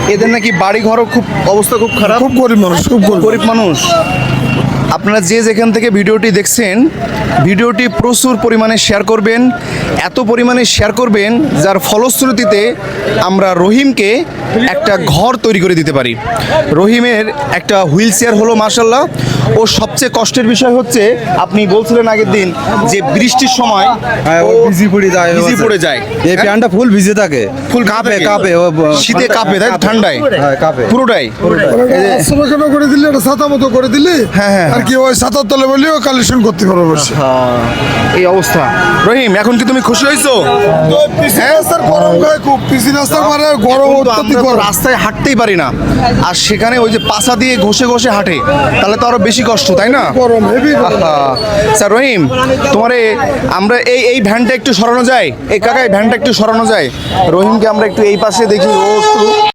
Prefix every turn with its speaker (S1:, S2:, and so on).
S1: এদের নাকি বাড়ি ঘরও খুব অবস্থা খুব খারাপ,
S2: খুব গরিব মানুষ, খুব
S1: গরিব মানুষ। আপনারা যে যেখান থেকে ভিডিওটি দেখছেন, ভিডিওটি প্রচুর পরিমাণে শেয়ার করবেন, এত পরিমাণে শেয়ার করবেন যার ফলশ্রুতিতে আমরা রহিমকে একটা ঘর তৈরি করে দিতে পারি। রহিমের একটা হুইল চেয়ার হলো মাশাল্লাহ। ও সবচেয়ে কষ্টের বিষয় হচ্ছে, আপনি বলছিলেন আগের দিন যে বৃষ্টির সময় ও
S2: ভিজি পড়ে যায়,
S1: ভিজি পড়ে যায়।
S2: এই প্যান্টটা ফুল ভিজে থাকে,
S1: ফুল
S2: কাঁপে
S1: থাকে।
S2: কাঁপে,
S1: শীতে কাঁপে, তাই তো? ঠান্ডায়
S2: কাঁপে
S1: পুরোটাই।
S3: আশ্রমখানা করে দিলে, একটা ছাতা মতো করে দিলে,
S1: হ্যাঁ, হ্যাঁ।
S3: আর কি ওই ছাতার তলে বলেও কালেকশন করতে পারবো বসে।
S1: এই অবস্থা। রহিম, এখন কি তুমি খুশি হয়েছো?
S3: রাস্তার গরম খায় খুব, পিসি রাস্তা মানে গরম,
S1: কিন্তু
S3: অত্যাধিক
S1: আমরা তো
S3: গরম।
S1: রাস্তায় হাঁটতেই পারি না, আর সেখানে ওই যে পাছা দিয়ে ঘষে ঘষে হাঁটে, তাহলে তো আরো বেশি কষ্ট, তাই না?
S3: গরম, হেভি গরম।
S1: স্যার রহিম, তোমারে আমরা এই ভ্যানটা একটু সরানো যায়? এই কাকা, এই ভ্যানটা একটু সরানো যায়? রহিমকে আমরা একটু এই পাশে দেখি, ও একটু